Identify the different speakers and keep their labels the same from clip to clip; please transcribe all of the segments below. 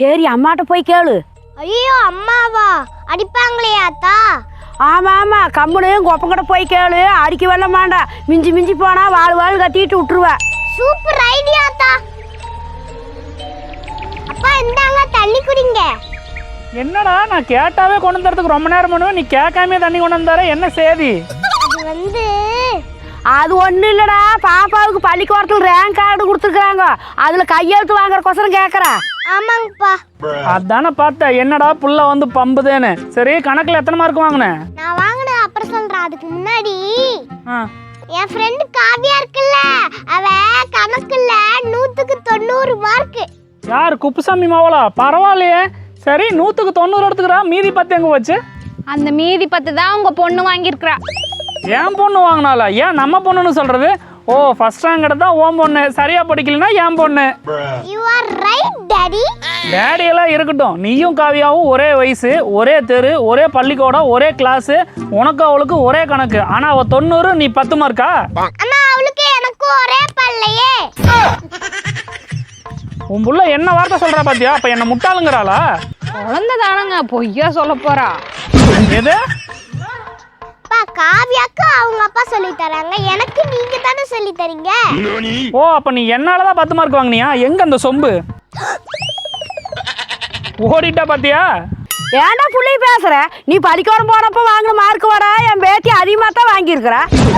Speaker 1: சரி அம்மாட்ட போய் கேளு.
Speaker 2: ஐயோ அம்மாவா? அடிப்பாங்களே ஆத்தா?
Speaker 1: ஆமா ஆமா, கம்முனு கொப்பங்கிட்ட போய் கேளு. அடிக்க வெல்ல மாண்டா, மிஞ்சி மிஞ்சி போனா வாழ் கத்திட்டு விட்டுருவ.
Speaker 2: சூப்பர் ஐடியா ஆத்தா. அப்பா இந்தாங்க தண்ணி குடிங்க.
Speaker 3: என்னடா நான் கேட்டாவே கொண்டு வந்துறதுக்கு ரொம்ப நேரம் பண்ணுவேன், நீ கேட்காமே தண்ணி கொண்டு வந்தார, என்ன சேதி?
Speaker 1: அது ஒன்றும் இல்லைடா, பாப்பாவுக்கு பள்ளிக்கூடத்தில் ரேங்க் கார்டு கொடுத்துருக்குறாங்க, அதில் கையெழுத்து வாங்குறக்கோசரம் கேட்குறேன்.
Speaker 2: ஆமாங்கப்பா.
Speaker 3: அதானே பார்த்தேன், என்னடா புள்ள வந்து பம்புதேன்னு. சரி கணக்கில் எத்தனை மார்க் வாங்கினேன்?
Speaker 2: நான் வாங்கினேன் அப்புறம் சொல்கிறேன். அதுக்கு முன்னாடி என் ஃப்ரெண்டு காவியா இருக்குல்ல, அவ கணக்குல 100க்கு 90 மார்க்.
Speaker 3: யார், குப்புசாமி மாவளா? பரவாயில்லையே. சரி 100க்கு 90 எடுத்துக்கிறா, மீதி 10 எங்கே வச்சு?
Speaker 4: அந்த மீதி 10 தான் உங்க பொண்ணு வாங்கியிருக்கிறா.
Speaker 3: ஏன் பொண்ணு வாங்கினாலா? ஏன் நம்ம பொண்ணுன்னு சொல்றது? ஓ, ஃபர்ஸ்ட் ரேங்க் எடுத்தா ஓம் பொண்ணு, சரியா படிக்கலனா ஏன் பொண்ணு.
Speaker 2: You are right daddy.
Speaker 3: Daddy எல்லாம் இருக்கட்டும், நீயும் காவியாவும் ஒரே வயசு, ஒரே தெரு, ஒரே பள்ளிக்கூடம், ஒரே கிளாஸ், உனக்கு அவளுக்கு ஒரே கணக்கு. ஆனா அவ 90, நீ 10 மார்க்கா?
Speaker 2: ஆனா அவளுக்கு எனக்கு ஒரே பல்லையே.
Speaker 3: உன் புள்ள என்ன வார்த்தை சொல்றா பாத்தியா? அப்ப என்ன முட்டாளுங்கிறாளா?
Speaker 4: குழந்தை தானங்க, பொய்யா சொல்ல போறா?
Speaker 3: எது?
Speaker 2: காவியாக்கு அவங்க அப்பா சொல்லி தராங்க, எனக்கு நீங்க தானே சொல்லி தரீங்க.
Speaker 3: ஓ, அப்ப நீ என்னாலதான் 10 மார்க் வாங்கினியா? எங்க அந்த சொம்பு? ஓடிட்டா பாத்தியா?
Speaker 1: ஏன்டா புள்ளி பேசுற? நீ பள்ளிக்கூடம் போனப்ப வாங்கின மார்க் வர என் பேத்தி அதிகமாக தான் வாங்கியிருக்கிற.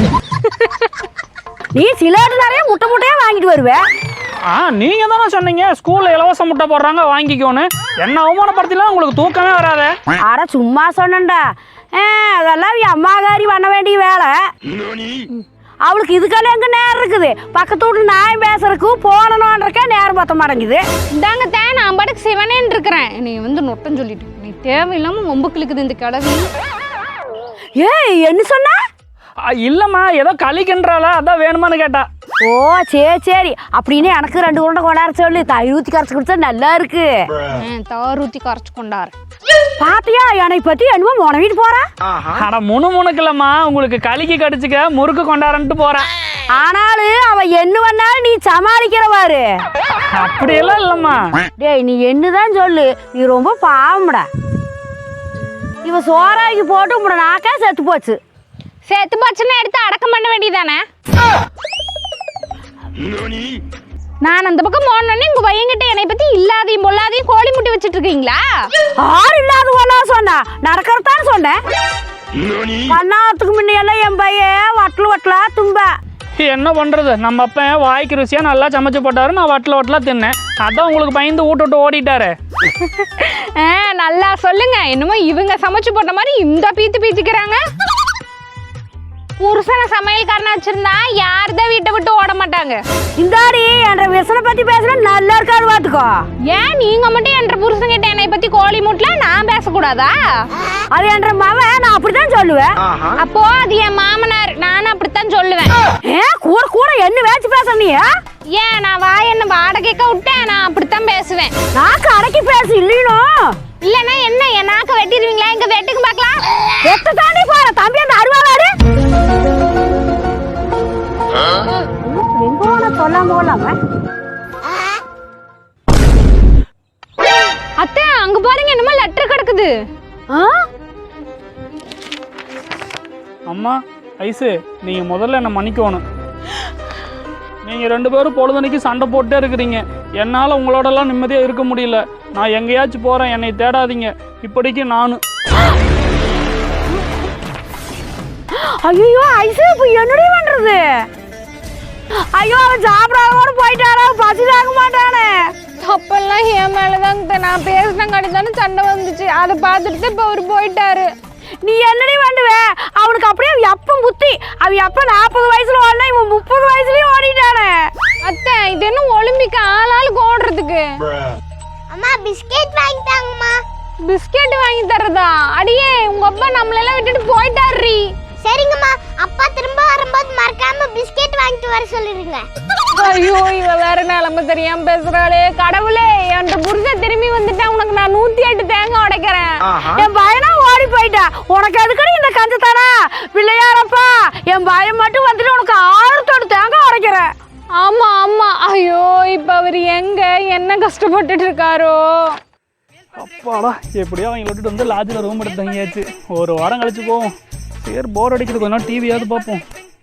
Speaker 1: நீ சிலர் நிறைய முட்டை முட்டையா வாங்கிட்டு வருவே.
Speaker 3: நீங்க தானே சொன்னீங்க ஸ்கூல்ல இலவச முட்டை போடுறாங்க வாங்கிக்கோன்னு. என்ன அவமானப்படுத்திலாம் உங்களுக்கு தூக்கமே வராத.
Speaker 1: அட சும்மா சொன்னேன்டா, அதெல்லாம் என் அம்மாகாரி பண்ண வேண்டிய வேலை. அவளுக்கு இதுக்கெல்லாம் எங்க நேரம் இருக்குது? பக்கத்து வீட்டுல நான் பேசுறதுக்கு போனோன்றக்கே நேரம் பத்த மாட்டேங்குது.
Speaker 4: இந்தாங்க தான் நான் பாட்டுக்கு சிவனேன்னு இருக்கிறேன். நீ வந்து நொட்டம் சொல்லிட்டு நீ தேவையில்லாம ஒம்பு கிழக்குது இந்த கிழவி.
Speaker 1: ஏய் என்ன சொன்ன?
Speaker 3: இல்லம்மா, ஏதோ களிக்கின்றாளா, அதான் வேணுமான்னு கேட்டா.
Speaker 1: ஓ சரி சரி, அப்படின்னு எனக்கு 2 உருண்டை கொண்டாட சொல்லு. தயிர் ஊற்றி கரைச்சி கொடுத்தா நல்லா இருக்கு.
Speaker 4: தயிர் ஊற்றி கரைச்சி கொண்டாரு.
Speaker 1: பாத்தியா என்னை பத்தி என்னமோ முனவிட்டு போறா.
Speaker 3: அட முணுமுணுக்கலம்மா, உங்களுக்கு களிக்கு கடிச்சுக்க முறுக்கு கொண்டாரன்ட்டு போறேன்.
Speaker 1: ஆனாலும் அவ என்ன பண்ணாலும் நீ சமாளிக்கிறவாரு.
Speaker 3: அப்படியெல்லாம் இல்லம்மா.
Speaker 1: டேய் நீ என்னதான் சொல்லு, நீ ரொம்ப பாவம்டா. இவ சோறாக்கி போட்டு உங்களோட நாக்கா செத்து போச்சு.
Speaker 4: செத்து போச்சுன்னா எடுத்து அடக்கம் பண்ண வேண்டியதானே? நான் அந்த பக்கம் போனோடனே உங்க பையன்கிட்ட என்னை பத்தி இல்லாதையும் பொல்லாதையும் கோழி முட்டி வச்சிட்டு இருக்கீங்களா?
Speaker 1: ஆறு இல்லாத ஒன்னா சொன்னா, நடக்கிறதான்னு சொன்னேன். கண்ணாத்துக்கு முன்னையெல்லாம் என் பையன் வட்டலா தும்ப.
Speaker 3: என்ன பண்றது, நம்ம அப்பன் வாய்க்கு ருசியா நல்லா சமைச்சு போட்டாரு, நான் வட்டலா தின்னேன். அதான் உங்களுக்கு பயந்து விட்டு ஓடிட்டாரு.
Speaker 4: நல்லா சொல்லுங்க, என்னமோ இவங்க சமைச்சு போட்ட மாதிரி இந்த பீத்திக்கிறாங்க. புருஷனை சமையல்காரனா வச்சிருந்தா யாருதான் வீட்டை விட்டு ஓட மாட்டாங்க.
Speaker 1: இந்தாடி என்ற விசனை பத்தி பேசுற நல்லா இருக்காது பாத்துக்கோ.
Speaker 4: ஏன் நீங்க மட்டும் என்ற புருஷன் கிட்ட என்னை பத்தி கோழி மூட்டல நான் பேசக்கூடாதா?
Speaker 1: அது என்ற மவன், நான் அப்படித்தான் சொல்லுவேன்.
Speaker 4: அப்போ அது என் மாமனார், நானும் அப்படித்தான் சொல்லுவேன்.
Speaker 1: கூட கூட என்ன வேச்சு பேச நீ?
Speaker 4: ஏன் நான் வாய் என்ன வாடகைக்க விட்டேன், நான் அப்படித்தான் பேசுவேன்.
Speaker 1: நாக்கு அடக்கி பேசு இல்லைனோ.
Speaker 4: இல்லன்னா என்ன என் நாக்க வெட்டிடுவீங்களா? எங்க வெட்டுக்கு பார்க்கலாம்.
Speaker 1: வெட்ட தாண்டி போற தம்பி அந்த அருவாளாரு.
Speaker 4: அத்தை அங்க பாருங்க, என்னமோ லெட்டர் கிடக்குது.
Speaker 3: அம்மா ஐசு, நீங்க முதல்ல என்ன மன்னிக்கணும். நீங்க 2 பேரும் பொழுதுனைக்கு சண்டை போட்டே இருக்கிறீங்க. என்னால உங்களோடலாம் நிம்மதியா இருக்க முடியல. நான் எங்கேயாச்சும் போறேன், என்னை தேடாதீங்க. இப்படிக்கு நானு.
Speaker 1: ஐயோ ஐசு, இப்ப என்னடி பண்றது? ஐயோ அவன் சாப்பிடாத போயிட்டாரா, பசி தாங்க மாட்டானே.
Speaker 4: தப்பெல்லாம் என் மேலதாங்க, நான் பேசினங்காடி தானே சண்டை வந்துச்சு. அதை பார்த்துட்டு இப்ப அவரு போயிட்டாரு.
Speaker 1: நீ என்னடி பண்ணுவ? அவனுக்கு அப்படியே எப்ப புத்தி. அவன் எப்ப 40 வயசுல ஓடனா, இவன் 30 வயசுலயும் ஓடிட்டானே.
Speaker 4: அத்தை இது என்ன ஒலிம்பிக் ஆளாளுக்கு ஓடுறதுக்கு?
Speaker 2: அம்மா பிஸ்கெட் வாங்கிட்டாங்கம்மா.
Speaker 4: பிஸ்கெட் வாங்கி தரதா? அடியே உங்க அப்பா நம்மளெல்லாம் விட்டுட்டு போயிட்டாரு.
Speaker 2: சரிங்கம்மா, அப்பா திரும்ப வரும்போது மறக்காம பிஸ்கெட் வாங்கிட்டு வர சொல்லிருங்க.
Speaker 4: ஐயோ இவ வேற நிலைமை தெரியாம பேசுறாளே. கடவுளே, என் புருஷன் திரும்பி வந்துட்டா உனக்கு நான் 108 தேங்காய் உடைக்கிறேன்.
Speaker 1: என் பையனா ஓடி போயிட்டா, உனக்கு எதுக்கடி இந்த கஞ்சத்தானா? பிள்ளையாரப்பா, என் பையன் மட்டும் வந்துட்டு உனக்கு 6 தேங்காய் உடைக்கிறேன்.
Speaker 4: ஆமா ஆமா. ஐயோ இப்ப அவரு எங்க என்ன கஷ்டப்பட்டுட்டு இருக்காரோ.
Speaker 3: அப்பாடா எப்படியோ அவங்க விட்டுட்டு வந்து லாட்ஜில் ரூம் எடுத்து தங்கியாச்சு. ஒரு வாரம் கழிச்சு போவோம். சரி போர் அடிக்கிறது, கொஞ்ச நாள் டிவியாவது பார்ப்போம்.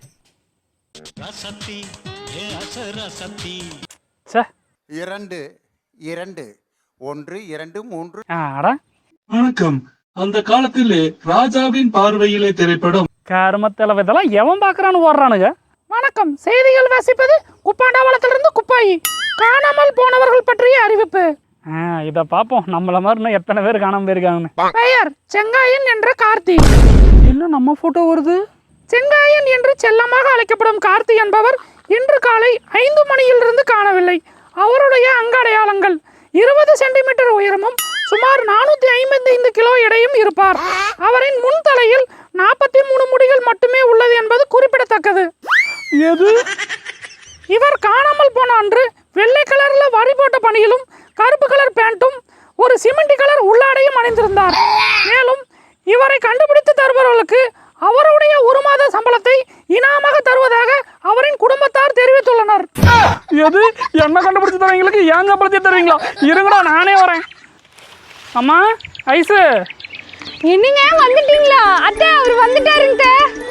Speaker 3: சே
Speaker 5: 2 2 1 2 3
Speaker 3: ஆடா
Speaker 6: வணக்கம். அந்த காலத்திலே ராஜாவின் பார்வையிலே திரைப்படம்.
Speaker 3: கருமத்தளவு இதெல்லாம் எவன் பார்க்கறான்னு ஓடுறானுங்க. வணக்கம், செய்திகள் வாசிப்பது குப்பாண்டாவளத்திலிருந்து குப்பாயி. காணாமல் போனவர்கள் பற்றிய அறிவிப்பு. இதை பார்ப்போம். நம்மள மாதிரி இன்னும் எத்தனை பேர் காணாமல் போயிருக்காங்கன்னு. பெயர் செங்காயன் என்ற கார்த்தி. இன்னும் நம்ம போட்டோ வருது. செங்காயன் என்று செல்லமாக அழைக்கப்படும் கார்த்தி என்பவர் இன்று காலை 5 மணியிலிருந்து காணவில்லை. அவருடைய அங்கடையாளங்கள் 20 சென்டிமீட்டர் உயரமும் சுமார் 455 கிலோ எடையும் இருப்பார். அவரின் முன் தலையில் 43 முடிகள் மட்டுமே உள்ளது என்பது குறிப்பிடத்தக்கது. எது? இவர் காணாமல் போன அன்று வெள்ளை கலர்ல வரி போட்ட பணியிலும் கருப்பு கலர் பேண்ட்டும் ஒரு சிமெண்டி கலர் உள்ளாடையும் அணிந்திருந்தார். மேலும் இவரை கண்டுபிடித்து தருபவர்களுக்கு அவருடைய 1 மாத சம்பளத்தை இனாமாக தருவதாக அவரின் குடும்பத்தார் தெரிவித்துள்ளனர். எது? என்ன கண்டுபிடிச்சு தரவங்களுக்கு ஏன் சம்பளத்தை தருவீங்களா? இருங்கடா நானே வரேன். அம்மா ஐசு,
Speaker 4: என்னங்க வந்துட்டீங்களா? அத்தை அவர் வந்துட்டாருங்க.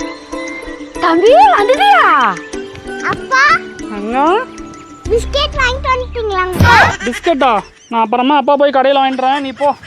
Speaker 1: தம்பி வந்துட்டியா?
Speaker 2: அப்பா
Speaker 3: அண்ணா
Speaker 2: பிஸ்கெட் வாங்கிட்டு வந்துட்டீங்களா?
Speaker 3: பிஸ்கட்டா? நான் அப்புறமா அப்பா போய் கடையில் வாங்கிட்டுறேன், நீ போ.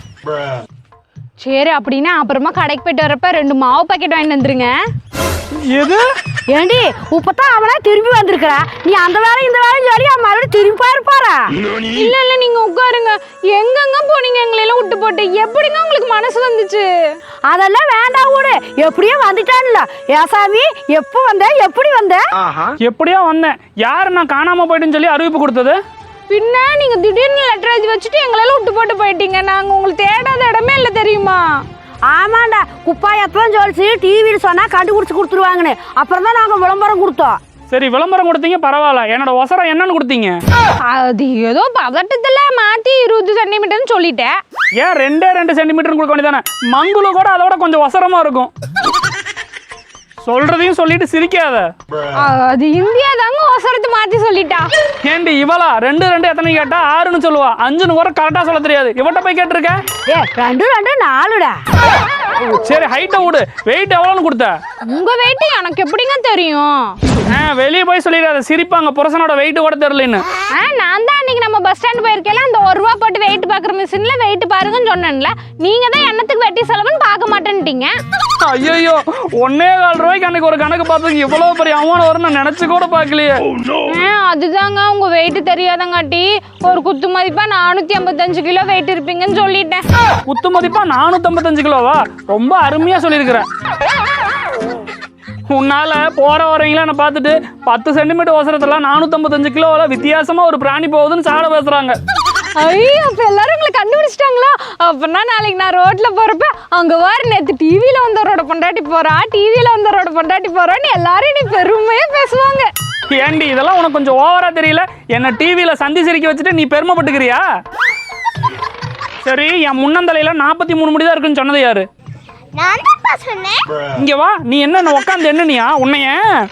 Speaker 4: சரி அப்படின்னா அப்புறமா கடைக்கு போயிட்டு வரப்ப 2 மாவு பாக்கெட் வாங்கிட்டு வந்துருங்க.
Speaker 3: எது?
Speaker 1: ஏண்டி இப்பதான் அவனே திரும்பி வந்திருக்கிறா, நீ அந்த வேலை இந்த வேலையும் சொல்லி அவன் மறுபடியும் திரும்பி போயிருப்பாரா?
Speaker 4: இல்ல இல்ல நீங்க உட்காருங்க. எங்கெங்க போனீங்க எங்களெல்லாம் விட்டு போட்டு? எப்படிங்க உங்களுக்கு மனசு வந்துச்சு?
Speaker 1: அதெல்லாம் வேண்டாம் விடு, எப்படியோ வந்துட்டான்ல. ஏசாமி எப்போ வந்த, எப்படி வந்த?
Speaker 3: எப்படியோ வந்தேன். யார் நான் காணாம போயிட்டுன்னு சொல்லி அறிவிப்பு கொடுத்தது?
Speaker 4: பின்ன நீங்க திடீர்னு லெட்டர் எழுதி வச்சுட்டு எங்களெல்லாம் விட்டு போட்டு போயிட்டீங்க. நாங்க உங்களுக்கு தேடாத இடமே இல்லை தெரியுமா?
Speaker 1: ஆமாண்டா, குப்பாயத்தான் சொல்லிச்சு டிவியில் சொன்னா கண்டுபிடிச்சு கொடுத்துருவாங்கன்னு. அப்புறம் தான் நாங்கள் விளம்பரம் கொடுத்தோம்.
Speaker 3: சரி விளம்பரம் கொடுத்தீங்க, பரவாயில்ல. என்னோட ஒசரம் என்னன்னு கொடுத்தீங்க?
Speaker 4: அது ஏதோ பதட்டத்துல மாத்தி 20 சென்டிமீட்டர்னு சொல்லிட்டேன்.
Speaker 3: ஏன் 2 சென்டிமீட்டர் கொடுக்க வேண்டியதானே? மங்குல கூட அதோட கொஞ்சம் ஒசரமா இருக்கும். சொல்றதையும் சொல்லிட்டு சிரிக்காத.
Speaker 4: அது இந்தியா தாங்க அவசரத்தை மாத்தி சொல்லிட்டா.
Speaker 3: ஏண்டி இவளா 2 எத்தனை கேட்டா 6ன்னு சொல்லுவா, 5ன்னு கூட கரெக்டா சொல்ல தெரியாது. இவட்ட போய் கேட்டிருக்க?
Speaker 1: 2 2 4டா.
Speaker 3: சரி ஹைட்டை விடு, வெயிட் எவ்வளோன்னு கொடுத்த?
Speaker 4: உங்க வெயிட் எனக்கு எப்படிங்க தெரியும்?
Speaker 3: வெளியே போய் சொல்லிடாத, சிரிப்பாங்க புருஷனோட வெயிட் கூட தெரியலன்னு.
Speaker 4: நான் தான் அன்னைக்கு நம்ம பஸ் ஸ்டாண்ட் போயிருக்கேன், அந்த 1 ரூபா போட்டு வெயிட் பாக்குற மிஷின்ல வெயிட் பாருங்கன்னு சொன்னேன்ல. நீங்க தான் என்னத்துக்கு வெட்டி செலவுன்னு பார்க்க மாட்டேன்ட்டீங்க.
Speaker 3: ஐயோ 1.25 ரூபாய்க்கு அன்னைக்கு ஒரு கணக்கு பார்த்ததுக்கு இவ்வளவு பெரிய அமௌண்ட் வரும் நான் நினைச்சு கூட பார்க்கலையே.
Speaker 4: அதுதாங்க உங்க வெயிட் தெரியாதங்காட்டி ஒரு குத்து மதிப்பா 455 கிலோ வெயிட் இருப்பீங்கன்னு சொல்லிட்டேன்.
Speaker 3: குத்து மதிப்பா 455 கிலோவா? ரொம்ப அருமையா சொல்லியிருக்கிறேன். உன்னால போற வரவங்கள நான் பார்த்துட்டு 10 சென்டிமீட்டர் அவசரத்துல 455 கிலோவில் வித்தியாசமா ஒரு பிராணி போகுதுன்னு சாட பேசுறாங்க.
Speaker 4: ஐயோ அப்ப எல்லாரும் உங்களை கண்டுபிடிச்சிட்டாங்களா? அப்படின்னா நாளைக்கு நான் ரோட்ல போறப்ப அங்க வாரு நேத்து டிவியில வந்தவரோட பொண்டாட்டி போறா, டிவியில வந்தவரோட பொண்டாட்டி போறான்னு எல்லாரும் நீ பெருமையா பேசுவாங்க.
Speaker 3: ஏண்டி இதெல்லாம் உனக்கு கொஞ்சம் ஓவரா தெரியல? என்ன டிவியில சந்தி சிரிக்க வச்சுட்டு நீ பெருமைப்பட்டுக்கிறியா? சரி என் முன்னந்தலையில 43 முடிதான் இருக்குன்னு சொன்னது யாரு?
Speaker 2: நான் தான் சொன்னேன்.
Speaker 3: இங்க வா, நீ என்ன உட்காந்து என்னனியா உன்னைய?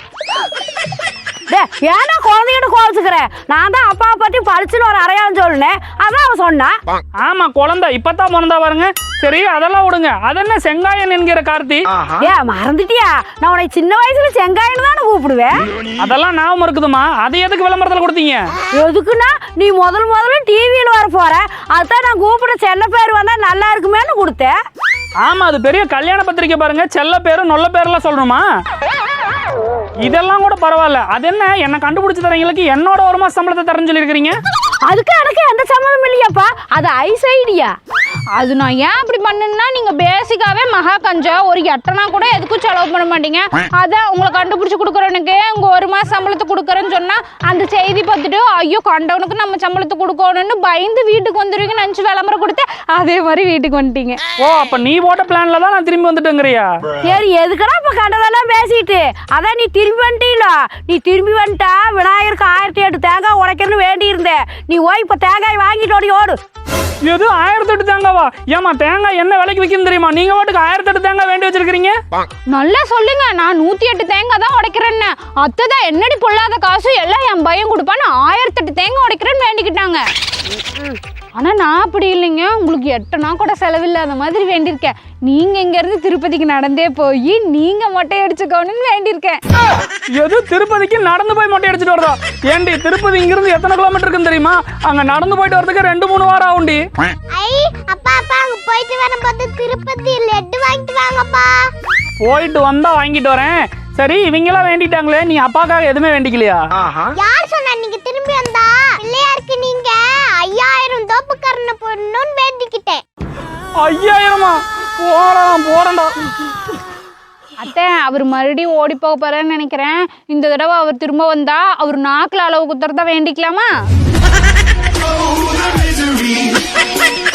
Speaker 1: ஏன்னா குழந்தைகிட்ட கோவிச்சுக்கிற? நான் தான் அப்பாவை பத்தி படிச்சுன்னு ஒரு அறையான்னு சொல்லுனேன், அதான் அவன் சொன்னான்.
Speaker 3: ஆமா குழந்தை இப்பதான் பிறந்தா பாருங்க. சரி அதெல்லாம் விடுங்க. அதென்ன செங்காயன் என்கிற கார்த்தி?
Speaker 1: மறந்துட்டியா? நான் உனக்கு சின்ன வயசுல செங்காயன்னு தானே கூப்பிடுவேன்.
Speaker 3: அதெல்லாம் ஞாபகம் இருக்குதுமா. அது எதுக்கு விளம்பரத்துல கொடுத்தீங்க?
Speaker 1: எதுக்குன்னா நீ முதல்ல டிவியில் வர போற, அதுதான் நான் கூப்பிட செல்ல பேர் வந்தா நல்லா இருக்குமேன்னு கொடுத்தேன்.
Speaker 3: ஆமா அது பெரிய கல்யாண பத்திரிக்கை பாருங்க, செல்ல பேரு நொல்ல பேரெல்லாம் சொல்லணுமா? இதெல்லாம் கூட பரவாயில்ல. அது என்ன கண்டுபிடிச்சு தரவங்களுக்கு என்னோட 1 மாச சம்பளத்தை தரேன்னு சொல்லியிருக்கிறீங்க?
Speaker 1: அதுக்கு எனக்கு எந்த சம்மந்தம் இல்லையாப்பா, அது ஐஸ் ஐடியா.
Speaker 4: அது நான் ஏன் அப்படி பண்ணேன்னா, நீங்க பேசிக்காவே மகா கஞ்சா, ஒரு எட்டனா கூட எதுக்கும் செலவு பண்ண மாட்டீங்க. அதான் உங்களை கண்டுபிடிச்சு கொடுக்குறவனுக்கு உங்க 1 மாச சம்பளத்தை கொடுக்குறேன்னு சொன்னா அந்த செய்தி பார்த்துட்டு ஐயோ கண்டவனுக்கு நம்ம சம்பளத்தை கொடுக்கணும்னு பயந்து வீட்டுக்கு வந்துருவீங்கன்னு நினைச்சு விளம்பரம் கொடுத்து அதே மாதிரி வீட்டுக்கு வந்துட்டீங்க.
Speaker 3: ஓ அப்ப நீ போட்ட பிளான்ல தான் நான் திரும்பி வந்துட்டேங்கிறியா?
Speaker 1: சரி எதுக்கடா இப்ப கண்டதெல்லாம் பேசிட்டு? அதான் நீ திரும்பி வந்துட்டீல. நீ திரும்பி வந்துட்டா விநாயகருக்கு 1008 தேங்காய் உடைக்கணும்னு வேண்டி இருந்தேன். நீ ஓய் இப்ப தேங்காய் வாங்கிட்டு ஓடு.
Speaker 3: எது 1008 தேங்காவா? ஏமா தேங்காய் என்ன விலைக்கு விற்கும் தெரியுமா? நீங்க வாட்டுக்கு 1008 தேங்காய் வேண்டி வச்சிருக்கீங்க.
Speaker 4: நல்லா சொல்லுங்க, நான் 108 தேங்காய் தான் உடைக்கிறேன்னு. அத்தைதான் என்னடி பொல்லாத காசு எல்லாம் என் பையன் கொடுப்பான்னு 1008 தேங்காய் உடைக்கிறேன்னு வேண்டிக்கிட்டாங்க. ஆனால் நான் அப்படி இல்லைங்க, உங்களுக்கு 8 நாள் கூட செலவில்லாத மாதிரி வேண்டியிருக்கேன். நீங்கள் இங்கேருந்து திருப்பதிக்கு நடந்தே போய் நீங்கள் மொட்டை அடிச்சுக்கோன்னு வேண்டியிருக்கேன்.
Speaker 3: எது திருப்பதிக்கு நடந்து போய் மொட்டை அடிச்சுட்டு வரதா? ஏண்டி திருப்பதி இங்கிருந்து எத்தனை கிலோமீட்டர் இருக்குன்னு தெரியுமா? அங்கே நடந்து போயிட்டு வரதுக்கு 2-3 வாரம் ஆகும்டி.
Speaker 2: ஐ அப்பா அப்பா அங்க போயிட்டு வரும்போது திருப்பதி லட்டு வாங்கிட்டு வாங்கப்பா.
Speaker 3: போயிட்டு வந்தா வாங்கிட்டு வரேன். சரி, இவங்கெல்லாம் வேண்டிட்டாங்களே, நீ அப்பாக்காக எதுவுமே வேண்டிக்கலையா?
Speaker 2: யார் சொன்னா நீங்க திரும்பி வந்தா பிள்ளையாருக்கு நீங்க 5000 தோப்புக்கரணை போடணும்னு வேண்டிக்கிட்டேன்.
Speaker 3: 5000மா? போறேன்டா.
Speaker 4: அத்தை, அவர் மறுபடியும் ஓடி போக போறேன்னு நினைக்கிறேன். இந்த தடவை அவர் திரும்ப வந்தா அவர் நாக்கில் அளவு குத்துறதா வேண்டிக்கலாமா?